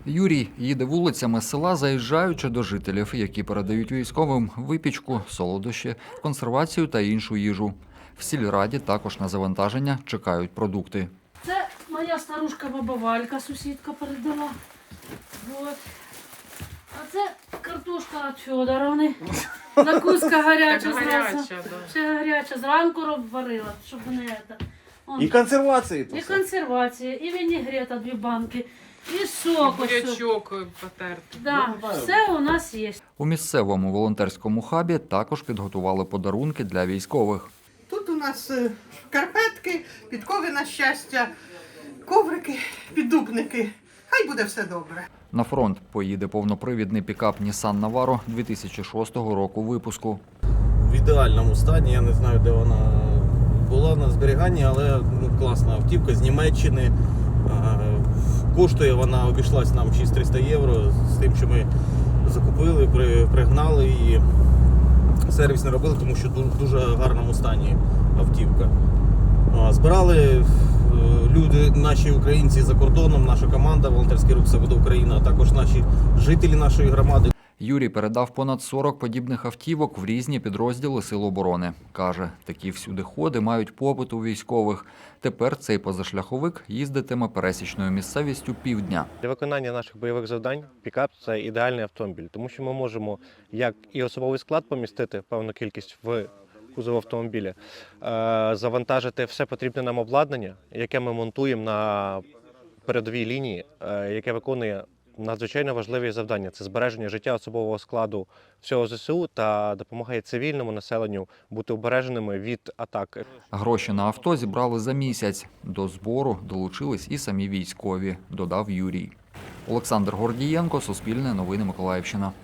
Юрій їде вулицями села, заїжджаючи до жителів, які передають військовим випічку, солодощі, консервацію та іншу їжу. В сільраді також на завантаження чекають продукти. Це моя старушка баба Валька, сусідка передала. Вот. А це картошка від Федоровни. Закуска гаряча зразу. Ще гаряча. Зранку варила, щоб не це. І консервації. І консервація, і вінігрета 2 банки, і сок. Бурячок потертий. Да, все у нас є. У місцевому волонтерському хабі також підготували подарунки для військових. Тут у нас шкарпетки, підкови на щастя, коврики, піддубники. Хай буде все добре. На фронт поїде повнопривідний пікап Nissan Navaro 2006 року випуску. В ідеальному стані, я не знаю, де вона була на зберіганні, але класна автівка з Німеччини. Коштує вона, обійшлась нам 6300 євро з тим, що ми закупили, пригнали її. Сервіс не робили, тому що в дуже гарному стані автівка. Збирали люди, наші українці за кордоном, наша команда «Волонтерський рух Свобода України», а також наші жителі нашої громади. Юрій передав понад 40 подібних автівок в різні підрозділи Сил оборони. Каже, такі всюдиходи мають попит у військових. Тепер цей позашляховик їздитиме пересічною місцевістю півдня. Для виконання наших бойових завдань пікап – це ідеальний автомобіль, тому що ми можемо як і особовий склад помістити певну кількість в кузов автомобіля, завантажити все потрібне нам обладнання, яке ми монтуємо на передовій лінії, яке виконує надзвичайно важливі завдання. Це збереження життя особового складу всього ЗСУ та допомагає цивільному населенню бути обереженими від атак. Гроші на авто зібрали за місяць. До збору долучились і самі військові, додав Юрій. Олександр Гордієнко, Суспільне новини Миколаївщина.